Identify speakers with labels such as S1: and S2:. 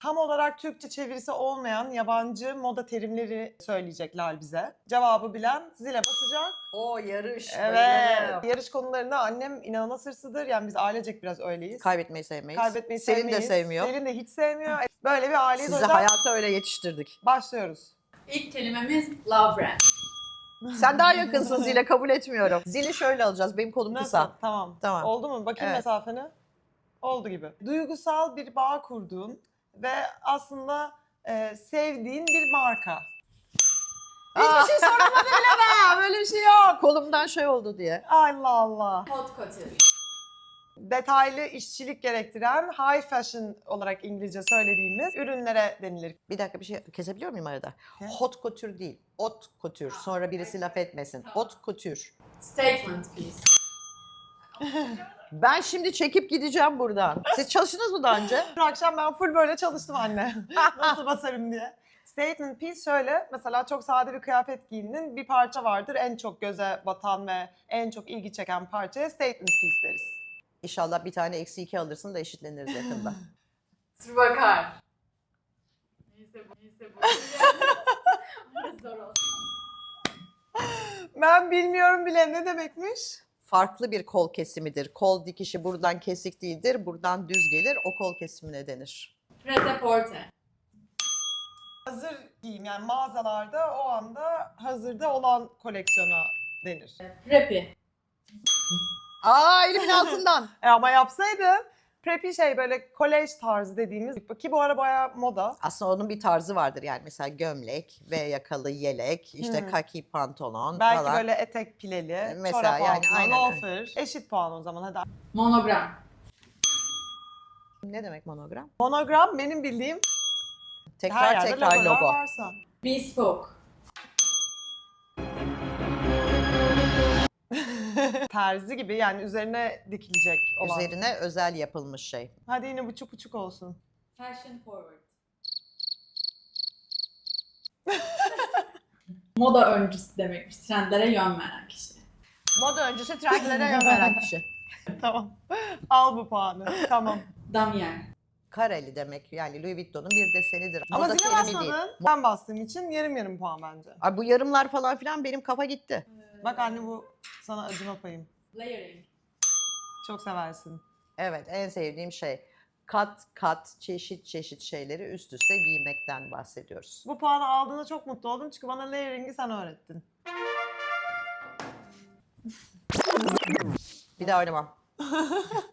S1: Tam olarak Türkçe çevirisi olmayan yabancı moda terimleri söyleyecekler bize. Cevabı bilen zile basacak.
S2: O yarış.
S1: Evet.
S2: Bayılırım.
S1: Yarış konularında annem inanılmaz hırslıdır. Yani biz ailecek biraz öyleyiz.
S2: Kaybetmeyi sevmeyiz.
S1: Kaybetmeyi
S2: Selin
S1: sevmeyiz.
S2: de sevmiyor.
S1: Selin de hiç sevmiyor. Böyle bir aileyiz. O
S2: Sizi
S1: yüzden
S2: hayata öyle yetiştirdik.
S1: başlıyoruz.
S3: İlk kelimemiz love brand.
S2: Sen daha yakınsın zile, kabul etmiyorum. Zili şöyle alacağız. Benim kolum
S1: Nasıl?
S2: kısa.
S1: Tamam.
S2: Tamam.
S1: Oldu mu? Bakayım
S2: Evet.
S1: mesafeni. Oldu gibi. Duygusal bir bağ kurduğun ve aslında sevdiğin bir marka. Hiçbir şey soramadı bile be. Böyle bir şey yok.
S2: Kolumdan şey oldu diye.
S1: Allah Allah.
S3: Hot couture.
S1: Detaylı işçilik gerektiren high fashion olarak İngilizce söylediğimiz ürünlere denilir.
S2: Bir dakika, bir şey kesebiliyor muyum arada?
S1: Kes.
S2: Hot couture değil. Haute couture. Sonra birisi laf etmesin. Haute couture.
S3: Statement piece.
S2: Ben şimdi çekip gideceğim buradan. Siz çalıştınız mı daha önce?
S1: Dün akşam ben full böyle çalıştım anne. Nasıl basarım diye. Statement piece şöyle, mesela çok sade bir kıyafet giyindin, bir parça vardır en çok göze batan ve en çok ilgi çeken parçaya statement piece deriz.
S2: İnşallah bir tane -2 alırsın da eşitleniriz yakında.
S3: Dur bakar. Neyse bu. Zor olsun.
S1: Ben bilmiyorum bile ne demekmiş?
S2: Farklı bir kol kesimidir. Kol dikişi buradan kesik değildir, buradan düz gelir. O kol kesimine denir.
S3: Pret-a-porter.
S1: Hazır giyim, yani mağazalarda o anda hazırda olan koleksiyona denir.
S3: Preppy.
S2: Aa, elimin altından.
S1: Ama yapsaydın preppy şey böyle kolej tarzı dediğimiz ki bu ara bayağı moda.
S2: Aslında onun bir tarzı vardır yani, mesela gömlek ve yakalı yelek, işte kaki pantolon
S1: Belki
S2: falan.
S1: böyle etek pileli,
S2: Mesela
S1: çorap
S2: yani
S1: altına,
S2: aynen.
S1: loafer. Eşit puan o zaman hadi.
S3: Monogram.
S2: Ne demek monogram?
S1: Monogram benim bildiğim her
S2: Tekrar
S1: yerde
S2: tekrar
S1: logolar
S2: logo.
S1: varsa.
S3: Bespoke.
S1: Terzi gibi, yani üzerine dikilecek olan.
S2: Üzerine özel yapılmış şey.
S1: Hadi yine buçuk buçuk olsun.
S3: Fashion forward. Moda öncüsü demekmiş. Trendlere yön veren kişi.
S2: Moda öncesi trendlere yön veren kişi.
S1: Tamam. Al bu puanı. Tamam.
S3: Damier.
S2: Kareli demek, yani Louis Vuitton'un bir desenidir.
S1: Ama
S2: Moda
S1: zile
S2: terimi değil.
S1: basmadın. Ben bastığım için yarım yarım puan bence.
S2: Ay, bu yarımlar falan filan benim kafa gitti.
S1: Bak anne, bu sana acıma payım.
S3: Layering.
S1: Çok seversin.
S2: Evet, en sevdiğim şey. Kat kat, çeşit çeşit şeyleri üst üste giymekten bahsediyoruz.
S1: Bu puanı aldığına çok mutlu oldum çünkü bana layering'i sen öğrettin.
S2: Bir daha oynamam.